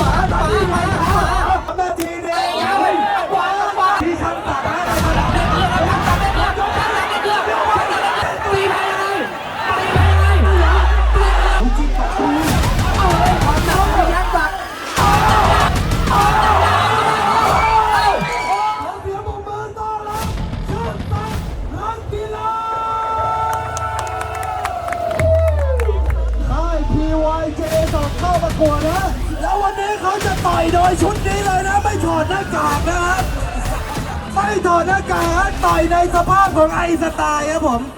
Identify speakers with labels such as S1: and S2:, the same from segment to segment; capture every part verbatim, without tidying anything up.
S1: มามานาทีเดียวที่ฉันตัดให้มาแล้ว
S2: ตีไปยังไงตีไปยังไง
S1: จริงกับกู
S2: ความน้องยักษ์ตัด
S1: ขอเสียงปรบมือต้อนรับเชิญตัดนักกีฬาค่าย พี วาย เจ สอบเข้าประกวดนะแล้ววันนี้เขาจะต่อยโดยชุดนี้เลยนะไม่ถอดหน้ากากนะครับไม่ถอดหน้ากากต่อยในสภาพของไอสไตล์ครับผม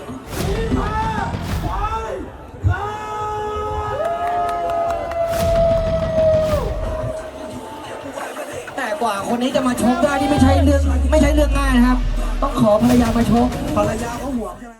S2: แต่กว่าคนนี้จะมาชกได้ที่ไม่ใช่เรื่องไม่ใช่เรื่องง่ายนะครับต้องขอภรรยามาชก
S1: ภรรยาเขาห่วงใช่ไหม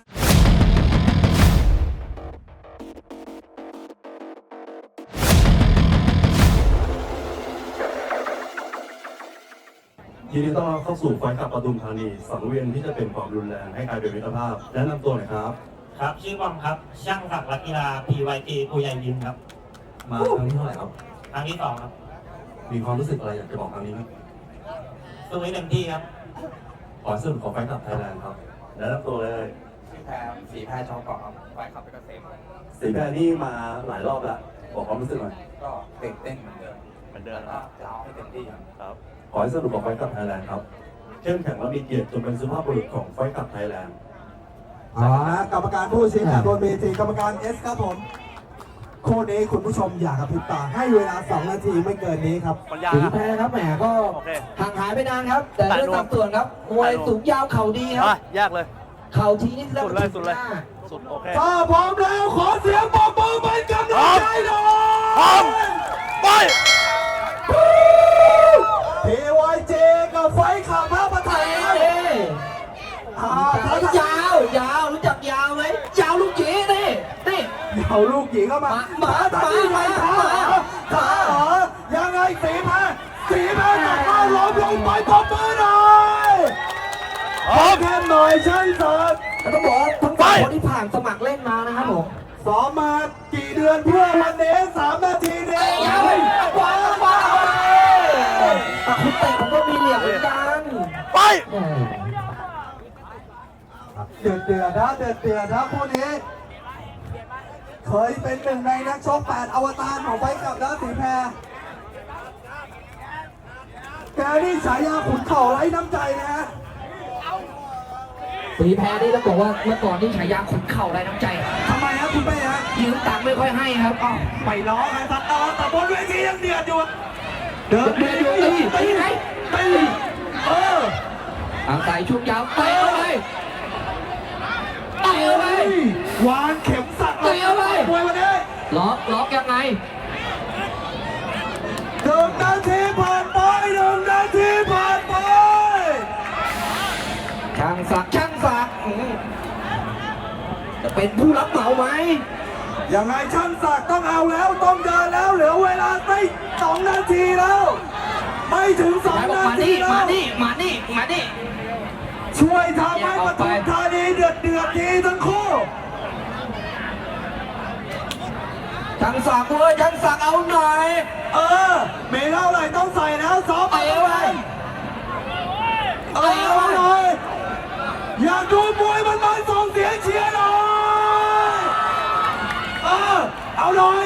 S3: ยินดีต้อนรับเข้าสู่ไฟขับปทุมธานีสังเวียนที่จะเป็นความรุนแรงให้กลายเป็นมิตรภาพแนะนำตัวหน่อยครับ
S4: ครับชื่อบอมครับช่างศักดิ์นักกีฬา พี วาย จี ผู้ใหญ่ยิมครับ
S3: มาครั้งที่เท่าไหร่ครับ
S4: ครั้งที่สองครับ
S3: มีความรู้สึกอะไรอยากจะบอกครั้งนี้ไหม
S4: สู้ให้เต็มที่ครับ
S3: ขอสรุปของไฟขับไทยแลนด์ครับแนะนำตัวเลย
S5: สีแพรสีแพรชองเกาะครับไฟขับไปเกษม
S3: สีแพรนี่มาหลายรอบแล้วบอกความรู้สึกหน่อย
S5: ก็ตื่นเต้นเหมือนเดิมเหมือนเดิมก็จะเอาให้เต็มที่ครับ
S3: ขอให้สรุปของไฟขับไทยแลนด์ครับเข้มแข็งและมีเกียรติจนเป็นสุภาพบุรุษของไฟขับไทยแลนด์
S1: อ๋อกรรมการผู้ชี้ขาดบนเวทีกรรมการเอสครับผมคู่นี้คุณผู้ชมอยากกระพริบตาให้เวลาสองนาทีไม่เกินนี้ครับ
S2: สีแพ้ครับแหมก็ห่างหายไปนานครับแต่เรื่องตามส่วนครับมวยสูงยาวเข่าดีครับ
S6: ยากเลย
S2: เข่าทีนี่แล้ว
S6: สุดเลยสุดเลยสุดโอเค
S1: ถ้าพร้อมแล้วขอเสียงปรบมือเป็นกำลังใจหน่อย
S6: พร้อมไป
S1: พี วาย เจ กับไฟขับพระประไทย
S2: ยาวยาวรู้จักยาวไหมยาวลูกหยีนี่นี่
S1: เอาลูกหญิงเข้ามา
S2: หมาหมาหมา
S1: ขาขาเหรอยังไงสีแพ้สีแพ้กลับมาล้มลงไปปรบมือหน่อยแค่หน่อยช่างสัตว์
S2: ต้องบอกทั้งสองคนที่ผ่านสมัครเล่นมานะครับผม
S1: ซ้อมมากี่เดือนเพื่อวันนี้สามนาทีเดียว
S2: ว้าวว้าวแต่คุณเตะผมก็มีเหลี่ยมเหมือนกัน
S6: ไป
S1: เดือดเดือดนะเดือดเดือดนะคู่นี้เคยเป็นหนึ่งในนักชกแปดอวตารของไฟกับนะสีแพรแกนี่ฉายาขุนเข่าไร้น้ำใจนะฮะ
S2: สีแพรนี่ต้องบอกว่าเมื่อก่อนนี่ฉายาขุนเข่าไร้น้ำใจ
S1: ทำไมครับคุณเป้ฮะ
S2: ยืมตังค์ไม่ค่อยให้ครับอ้าว
S1: ไปล้อไงสัตว์แต่บนเวทียังเดือดอยู่
S2: เดือดเดือดอยู่ตีตีไหน
S1: ตีเออ
S2: อาศัยช่วงยาวเตะเข้าไปเตะเข้าไป
S1: วางเข็มสัตว์
S2: เตะเข้าไป
S1: มวยวันนี้
S2: ล็อกล็อกยังไง
S1: หนึ่งนาทีผ่านไปหนึ่งนาทีผ่านไป
S2: ช่างศักดิ์ช่างศักดิ์จะเป็นผู้รับเหมาไหม
S1: ยังไงช่างศักดิ์ต้องเอาแล้วต้องเดินแล้วเหลือเวลาไม่สองนาทีแล้วไม่ถึงสองนาทีแล้ว
S2: มานี่มานี่มานี่
S1: ช่วยทำให้ปทุมธานีเดือดเดือดทีทั้งคู่
S2: ช่างศักดิ์เว้ยช่างศักดิ์เอาหน่อย
S1: เออเมเท่าไหร่ต้องใส่แล้วซ้อม
S2: ไปเอาไป
S1: เออเอาหน่อยอยากดูมวยมันมาส่งเสียงเชียร์หน่อยเออเอาหน่อย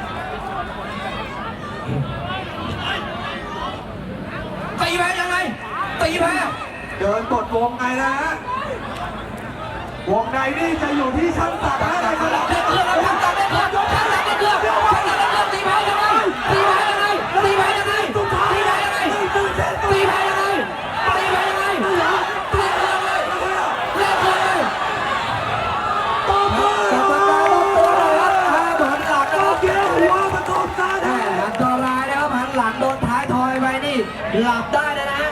S2: ตีแพ้ยังไงตีแพ้
S1: เดินกดวงในนะฮะวงในนี่จะอยู่ที่ช่างศักดิ์นะในขณะที่
S2: ช่างศักดิ์ช่างศักดิ์ช่างศักดิ์ช่างศักดิ์ช่างศักดิ์ตีแพ้ยังไงตีแพ้ยังไงตีแพ้ยังไงตีแพ้ยังไงตีแพ้ยังไงตีแพ้ยังไงตีแพ้ยังไงเล่นเลย
S1: ตบมือ
S2: ตบมือตัวเลยครับถ้าเหมือนหลัง
S1: โอเคหัวปทุมธานี
S2: อันตรายนะครับหันหลังโดนท้ายทอยไปนี่หลับได้นะนะ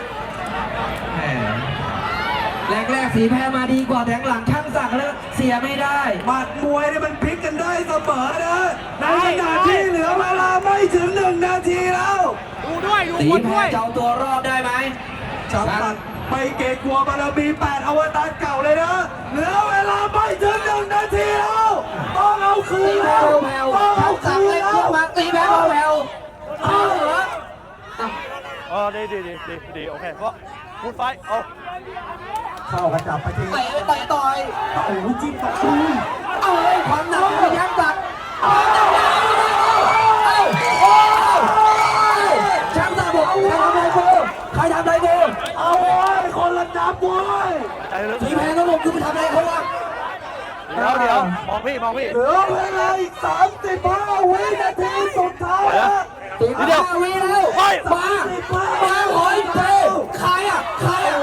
S2: แรกๆสีแพ้มาดีกว่าแทงหลังช่างศักดิ์แล้วเสียไม่ได้
S1: หมัดมวยเนี่ยมันพลิกกันได้เสมอนะในขณะที่เหลือเวลาไม่ถึงหนึ่งนาทีแล้ว
S6: ดูด้วยดู
S2: สี
S6: ด้วย
S2: แพ้เจ้าตัวรอดได้ไหม
S1: ช่างศักดิ์ไม่เกรงกลัวบารมีแปดอวตารเก่าเลยนะเหลือเวลาไม่ถึงหนึ่งนาทีแล้วต้องเอาคืนแล้ว
S2: ต้องเอาคืนแล้วตีแพ้แผ่วๆตีแพ้แผ่วๆเอาเหรอ
S6: เออดีดีดีดีดีโอเคเพราะพูดไฟเอา
S1: เข้ากระจับไปที
S2: เตะเตะต่อย
S1: โอ้โหจิ้มต่อคืน
S2: เอ้ยความหนักพยักตัดเอาจับได้เอ้าโอ้แชมป์สามบอกใครทำอะไรกูใครทำอะไรกู
S1: เอาเว้ยคนละจับเว้ย
S6: ใจลึก
S2: ทีแพ้ทั้งหมดกูไปทำอะไรเขาวะ
S6: เดี๋ยวเดี๋ยวมองพี่มองพี่
S1: เหลือเวลาอีกสามสิบห้าวินาทีสุดท้ายนะ
S2: ตีมาวีแล้วมามาหอยเตะใครอ่ะใครอ่ะ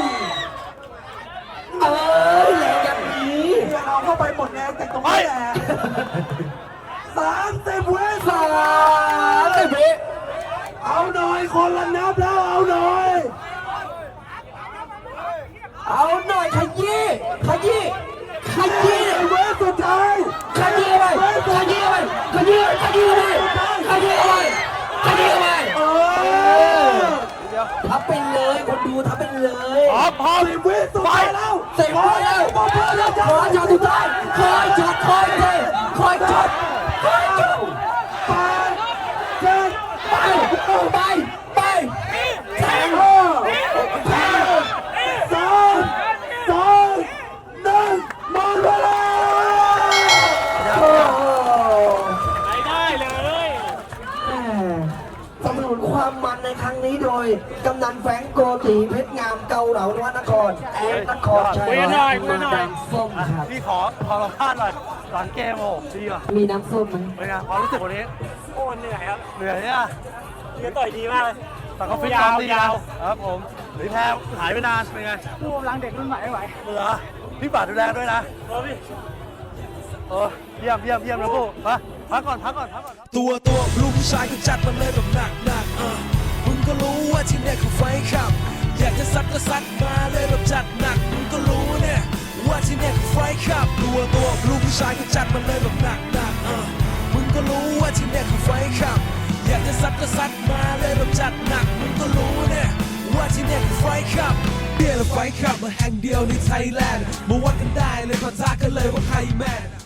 S2: เอ้ยแรงอย่างนี้
S1: เนี่ยเราเข้าไปหมดแรงจากตรงนี้แหละสามสิบวิ
S2: สามสิบวิ
S1: เอาหน่อยคนละนับแล้วเอาหน่อย
S2: เอาหน่อยขยี้ขยี้ขยี้
S1: ไอ้เวสสุดท้าย
S2: ขยี้ไปขยี้ไปขยี้ขยี้ไปขยี้ไปขยี้ไป
S1: เออ
S2: ทับไปเลยคนดูทับไปเลย
S6: พร้อมพร้อม
S1: สิบวิสุดท้ายแล้ว
S2: เสร็จแล้วขอจอดทุกท่านคอยจอดคอยเตะคอยจอดคอยจอด
S1: แปดเจ็ด
S2: ไปไปไปแทง
S1: ห้าสามสองหนึ่งหมดเวลา
S6: ไม่ได้เลย
S2: สนับสนุนความมันในครั้งนี้โดย กำนันแฟรงโกตีเพชรงามเกาเหลานวนครแอนนครชัยมาน้ำส้มครับ
S6: พี่ขอขอสัมภาษณ์หน่อยหลังเกมโอ้ดีว่ะ
S2: มีน้ำส้มไหม
S6: เป็นไงความรู้สึกวันนี้
S4: โอ้เหนื่อยครับ
S6: เหนื่อยเนี่ย
S4: เรือต่อยดีมากเลย
S6: แต่ก็ฟิตซ้อมดีนะครับผมหรือแพ้หายไปนานเป็นไง
S4: ผู้กำลังเด็กรุ่นใหม่ไม่ไหว
S6: เหลือพี่บาทดูแลด้วยนะ
S4: โอ้พี่
S6: เออเยี่ยมเยี่ยมเยี่ยมนะพวกมาพักก่อนพักก่อนพักก่อน
S7: ตัวตัวลูกผู้ชายก็จัดมาเลยแบบหนักหนักๆเออมึงก็รู้ว่าที่เนี่ยคือไฟขับ อยากจะซัดก็ซัดมาเลยแบบจัดหนักมึงก็รู้เนี่ยว่าที่เนี่ยคือไฟขับ ตัวตัวลูกผู้ชายก็จัดมาเลยแบบหนักหนักๆเออมึงก็รู้ว่าที่เนี่ยคือไฟขับ อยากจะซัดก็ซัดมาเลยแบบจัดหนักมึงก็รู้เนี่ยว่าที่เนี่ยคือไฟขับเบียร์และไฟขับมาแห่งเดียวในไทยแลนด์มาวัดกันได้เลยพอท้ากันเลยว่าใครแม่น